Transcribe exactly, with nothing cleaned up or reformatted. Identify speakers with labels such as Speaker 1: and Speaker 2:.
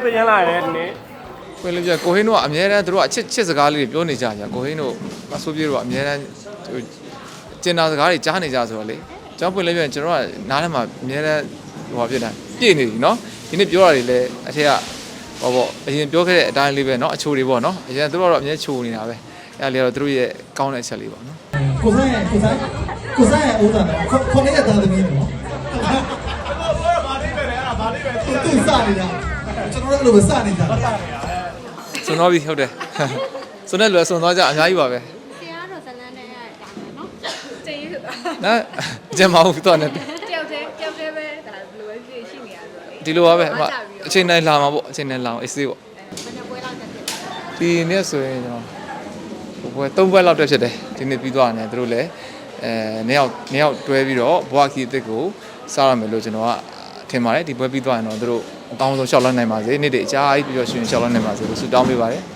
Speaker 1: သိရလာတယ်ဒီနေ့
Speaker 2: ကိုင်းလေးပြကိုဟင်းတို့ကအများတန်းတို့ကအချစ်ချစ်စကားလေးတွေပြောနေကြကြကိုဟင်းတို့အဆိုးပြေတို့ကအများတန်းကျင်နာစကားတွေကြားနေကြဆိုတော့လေကျွန်တော်ပွင့်လေးပြကျွန်တော်ကနားထဲမှာအများတန်းဟိုဟာဖြစ်တာပြည့်နေပြီနော်ဒီနေ့ပြောတာတွေလည်းအထက်ကဟောပေါ့အရင်ပြောခဲ့တဲ့အတိုင်းလေးပဲနော်အချိုတွေပေါ့နော်အရင်တို့ကတော့အများချိုနေတာပဲအဲ့ဒါလေးကတော့တို့ရဲ့ကောင်းတဲ့အချက်လေးပေါ့နော်
Speaker 3: ကိုစားရဲ့ကိုစားကိုစားရဲ့ဦးသားနော်ခေါင်းလေးရသားသမီးနော်ဘာလေးပဲလဲအဲ့ဒါဘာလေးပဲသူစနေတာကျွန်တော်တို့လည်းစနေတာ
Speaker 2: စွန်တော့ပြီဟုတ်တယ်စွန်တဲ့လူကစွန်သွားကြအများကြီးပါပဲ
Speaker 4: ဆရာတော့ဇလန်းနဲ့ရတာနော်ကျင်းရတာ
Speaker 2: နော်အကျမဟုတ်တော့နဲ့
Speaker 4: တယောက်တည်းတယောက်တည်းပဲဒါဘယ်လိုပဲဖြစ်ရှိနေရဆိုတော့လေ
Speaker 2: ဒီလိုပါပဲအချိန်တိုင်းလာမှာပေါ့အချိန်တိုင်းလာအောင်အေးစေးပေါ့
Speaker 4: ဘယ်နှပွဲလောက်တက်ဖြစ်လဲ
Speaker 2: ဒီနေ့ဆိုရင်ကျွန်တော်ဘွယ်သုံးဘွယ်လောက်တက်ဖြစ်တယ်ဒီနေ့ပြီးသွားတယ်သူတို့လည်းအဲနှစ်ယောက်နှစ်ယောက်တွဲပြီးတော့ဘွားခီအစ်စ်ကိုစားရမယ်လို့ကျွန်တော်ကထင်ပါတယ်ဒီပွဲပြီးသွားရင်တော့သူတို့အကောင်းဆုံးရှောက်လန်းနိုင်ပါစေနေ့တည်းအကြာကြီးပြီးတော့ရှင်ရှောက်လန်းနိုင်ပါစေလို့ဆုတောင်းပေးပါတယ်